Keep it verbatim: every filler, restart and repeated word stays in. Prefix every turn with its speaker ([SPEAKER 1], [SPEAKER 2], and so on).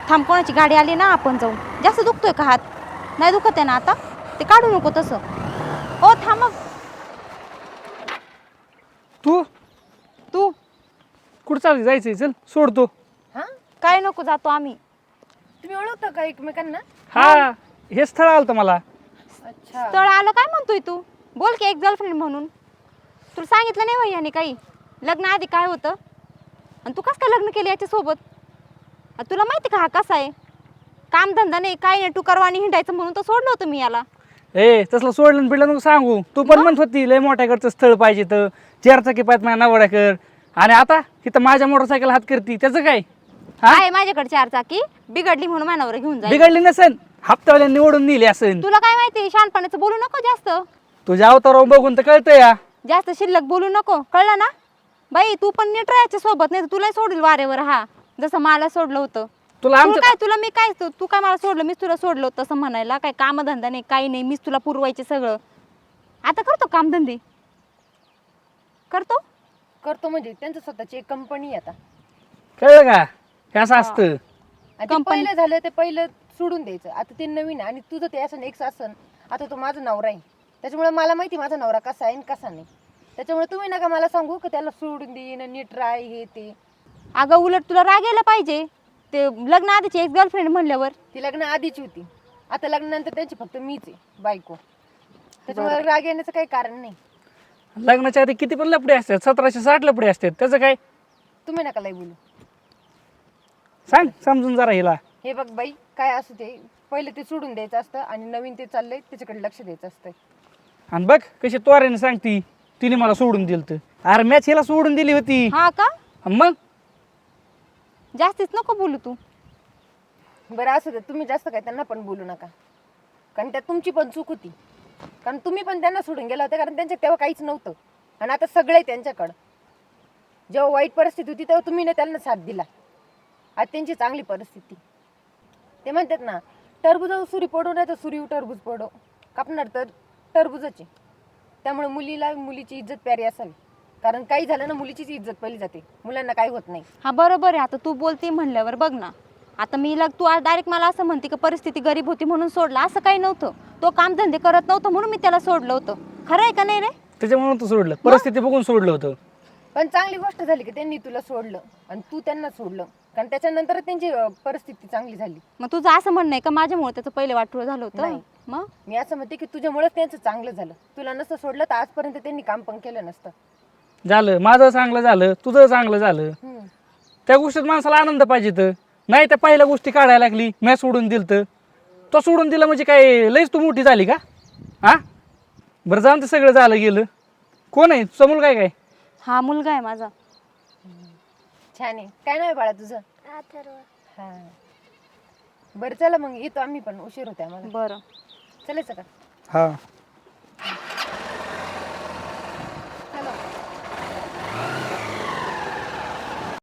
[SPEAKER 1] थांब, कोणाची गाडी आली ना, आपण जाऊ. जास्त दुखतोय का हात? नाही दुखत आहे ना आता? ते काढू नको तसं. ओ थांब मग.
[SPEAKER 2] तू
[SPEAKER 1] तू
[SPEAKER 2] कुठं चालली? जायचंय, चल सोडतो.
[SPEAKER 3] हा
[SPEAKER 1] काय नको, जातो आम्ही.
[SPEAKER 3] तुम्ही ओळखता का एकमेकांना?
[SPEAKER 2] हा, हे स्थळ आलं होतं मला.
[SPEAKER 3] अच्छा.
[SPEAKER 1] स्थळ आलं काय म्हणतोय तू? बोल की, एक गर्लफ्रेंड म्हणून. तुला सांगितलं नाही वय याने काही? लग्न आधी काय होतं आणि तू कसं काय लग्न केलं याच्यासोबत? तुला माहिती का हा कसा आहे? कामधंदा नाही, काय नाही, टू करवानी हिंडायचं म्हणून तर सोडलं होतं मी याला.
[SPEAKER 2] ए तसलं सोडलं बिडलं नको सांगू. तू पण म्हणत होती लय मोठ्याकडचं स्थळ पाहिजे, तर चार चाकी पाहिजे माझ्या नवऱ्याकर. आणि आता तिथं माझ्या मोटरसायकल हात करती, त्याचं काय? हा,
[SPEAKER 1] आहे माझ्याकडे चार चाकी, बिघडली म्हणून मानावर घेऊन जाईल.
[SPEAKER 2] बिघडली नसेल, हप्त्यावाल्यांनी ओढून नेली असेल.
[SPEAKER 1] तुला काय माहिती, शहाणपणाचं बोलू नको जास्त.
[SPEAKER 2] तुझ्या अवतारावर बघून तर कळतं या.
[SPEAKER 1] जास्त शिल्लक बोलू नको, कळलं ना? बाई तू पण नीट राहायच्या सोबत, नाही तर तुला सोडील वारेवर. हा, जसं मला सोडलं होतं.
[SPEAKER 2] तुला
[SPEAKER 1] तुला
[SPEAKER 2] आमच्या
[SPEAKER 1] काय, तुला मी काय, तू तू काय मला सोडलं, मीच तुला सोडलं होतं असं म्हणायला? काय कामधंदा नाही, काही नाही, मीच तुला पुरवायचे सगळं. आता करतो कामधंदे, करतो.
[SPEAKER 3] करतो म्हणजे त्यांचं स्वतःची एक कंपनी आता.
[SPEAKER 2] कळलं का? हे असं असतं.
[SPEAKER 3] आणि ते
[SPEAKER 1] Company.
[SPEAKER 3] पहिलं झालं ते पहिलं सोडून द्यायचं. आता ते नवीन आहे आणि तुझं ते असं एक्स असन. आता तो माझा नवरा आहे, त्याच्यामुळे मला माहिती माझा नवरा कसा आहे आणि कसा नाही. त्याच्यामुळे तुम्ही नका मला सांगू की त्याला सोडून देईन, नीट राय, हे ते.
[SPEAKER 1] अगं उलट तुला राग यायला पाहिजे. ते लग्न आधीची एक गर्लफ्रेंड म्हणल्यावर.
[SPEAKER 3] ती लग्न आधीची होती, आता लग्नानंतर त्यांची फक्त मीच आहे बायको. त्याच्यामुळे राग येण्याचं काही कारण नाही.
[SPEAKER 2] लग्नाच्या आधी किती पण लपडे असतात, सतराशे साठ लपडे असतात, त्याचं काय?
[SPEAKER 3] तुम्ही नका लय बोलू.
[SPEAKER 2] सांग समजून जरा हिला.
[SPEAKER 3] हे बघ बाई, काय असू ते पहिले ते सोडून द्यायचं असतं आणि नवीन ते चाललंय त्याच्याकडे लक्ष द्यायचं असतं.
[SPEAKER 2] आणि बघ कशी त्वरेने सांगती, तिने मला सोडून दिलं तर. अरे मॅच हिला सोडून दिली होती.
[SPEAKER 1] हा का?
[SPEAKER 2] मग
[SPEAKER 1] जास्तीच नको बोलू तू.
[SPEAKER 3] बरं असू दे, तुम्ही जास्त काय त्यांना पण बोलू नका, कारण त्यात तुमची पण चूक होती. कारण तुम्ही पण त्यांना सोडून गेला होता, कारण त्यांच्या तेव्हा काहीच नव्हतं आणि आता सगळं आहे त्यांच्याकडं. जेव्हा वाईट परिस्थिती होती तेव्हा तुम्ही ना त्यांना साथ दिला. आज त्यांची चांगली परिस्थिती. ते म्हणतात ना, टरबूज सुरी पडो नाही तर सुरी टरबूज पडो, कापणार तर टरबूजाची. त्यामुळे मुलीला मुलीची इज्जत प्यारी असावी, कारण काही झालं ना मुलीचीच इज्जत पहिली जाते, मुलांना काही होत नाही.
[SPEAKER 1] हा बरोबर आहे. आता तू बोलते म्हणल्यावर बघ ना, आता मी लग तू डायरेक्ट मला असं म्हणते की परिस्थिती गरीब होती म्हणून सोडला, असं काही नव्हतं. तो कामधंदे करत नव्हतं म्हणून मी त्याला सोडलं होतं. खरं आहे का नाही रे?
[SPEAKER 2] त्याच्यामुळे तू सोडलं, परिस्थिती बघून सोडलं होतं.
[SPEAKER 3] पण चांगली गोष्ट झाली की त्यांनी तुला सोडलं आणि तू त्यांना सोडलं, कारण त्याच्यानंतर त्यांची अं, परिस्थिती चांगली झाली.
[SPEAKER 1] मग तुझं असं म्हणणं आहे का माझ्यामुळे त्याचं पहिले वाटोळं झालं होतं?
[SPEAKER 3] नाही.
[SPEAKER 1] मग
[SPEAKER 3] मी असं म्हणते की तुझ्यामुळेच त्यांचं चांगलं झालं. तुला नसतं सोडलं तर आजपर्यंत त्यांनी काम पण केलं नसतं.
[SPEAKER 2] झालं माझं चांगलं झालं, तुझं चांगलं झालं.
[SPEAKER 3] हम्म.
[SPEAKER 2] त्या गोष्टीत माणसाला आनंद पाहिजे तर. नाही त्या पहिल्या गोष्टी काढायला लागली, मी सोडून दिलं तर. तो सोडून दिलं म्हणजे काय लईच तू मोठी झाली का? हा, बरं जाऊन ते सगळं झालं गेलं. कोण आहे समोर? काय काय
[SPEAKER 1] हा मुलगा आहे माझा.
[SPEAKER 3] छान आहे. काय नाव आहे बाळा तुझं? हा. बरं चला मग येतो आम्ही पण, उशीर होते आम्हाला.
[SPEAKER 1] बरं.
[SPEAKER 3] चालायचं का?
[SPEAKER 2] हा